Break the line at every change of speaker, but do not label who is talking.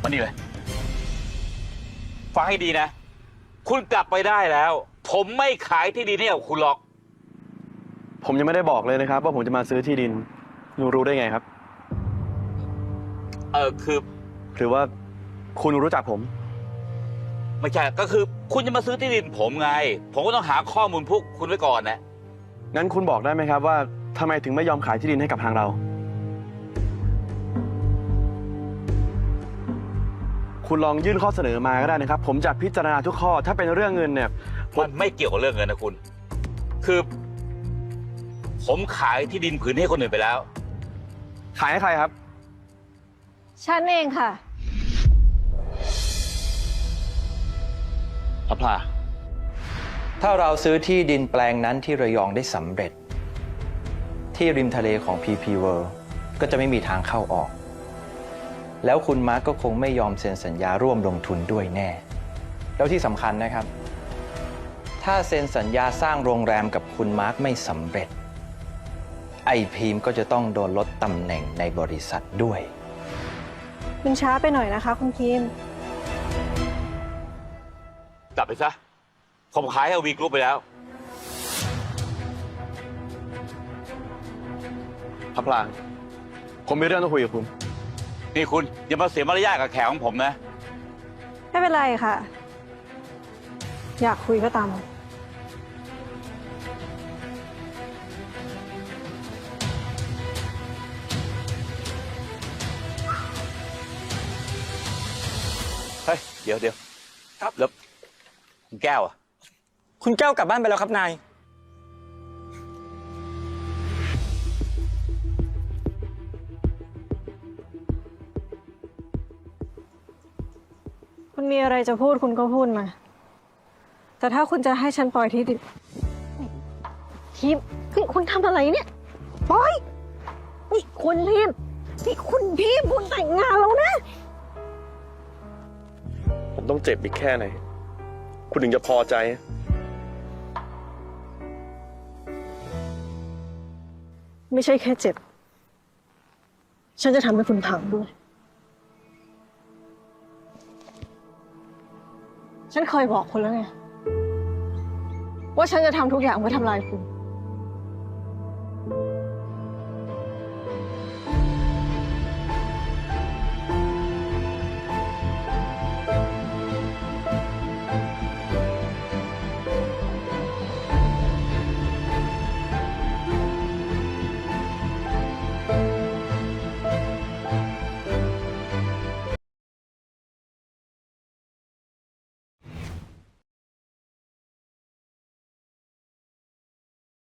มานี่เลยฟังให้ดีนะคุณกลับไปได้แล้วผมไม่ขายที่ดินให้กับคุณหรอก
ผมยังไม่ได้บอกเลยนะครับว่าผมจะมาซื้อที่ดินหนูรู้ได้ไงครับ
คือ
หรือว่าคุณรู้จักผม
ไม่ใช่ก็คือคุณจะมาซื้อที่ดินผมไงผมก็ต้องหาข้อมูลพวกคุณไว้ก่อนนะ
งั้นคุณบอกได้ไหมครับว่าทำไมถึงไม่ยอมขายที่ดินให้กับทางเราคุณลองยื่นข้อเสนอมาก็ได้นะครับผมจะพิจารณาทุกข้อถ้าเป็นเรื่องเงินเนี่ย
มันไม่เกี่ยวกับเรื่องเงินนะคุณคือผมขายที่ดินผืนให้คนอื่นไปแล้ว
ขายให้ใครครับ
ฉันเองค่ะ
พลา
ถ้าเราซื้อที่ดินแปลงนั้นที่ระยองได้สำเร็จที่ริมทะเลของ PP World ก็จะไม่มีทางเข้าออกแล้วคุณมาร์กก็คงไม่ยอมเซ็นสัญญาร่วมลงทุนด้วยแน่แล้วที่สำคัญนะครับถ้าเซ็นสัญญาสร้างโรงแรมกับคุณมาร์กไม่สำเร็จไอพีมก็จะต้องโดนลดตำแหน่งในบริษัทด้วย
มันช้าไปหน่อยนะคะคุณพีม
กลับไปซะผมขายให้วีกรุ๊ปไปแล้ว
พลาผมมีเรื่องต้องคุยกับคุณ
นี่คุณอย่ามาเสียมารยาทกับแขกของผมนะ
ไม่เป็นไรค่ะ อยากคุยก็ตาม
เฮ้ยเดี๋ยวครับแล้วคุณแก้วอ่ะ
คุณแก้วกลับบ้านไปแล้วครับนาย
คุณมีอะไรจะพูดคุณก็พูดมาแต่ถ้าคุณจะให้ฉันปล่อยที่ดินทีมคุณทำอะไรเนี่ยปล่อยนี่คุณพีมนี่คุณพีมคุณแต่งงานแล้วนะ
ผมต้องเจ็บอีกแค่ไหนคุณถึงจะพอใจ
ไม่ใช่แค่เจ็บฉันจะทำให้คุณพังด้วยฉันเคยบอกคุณแล้วไงว่าฉันจะทำทุกอย่างเพื่อทำลายคุณ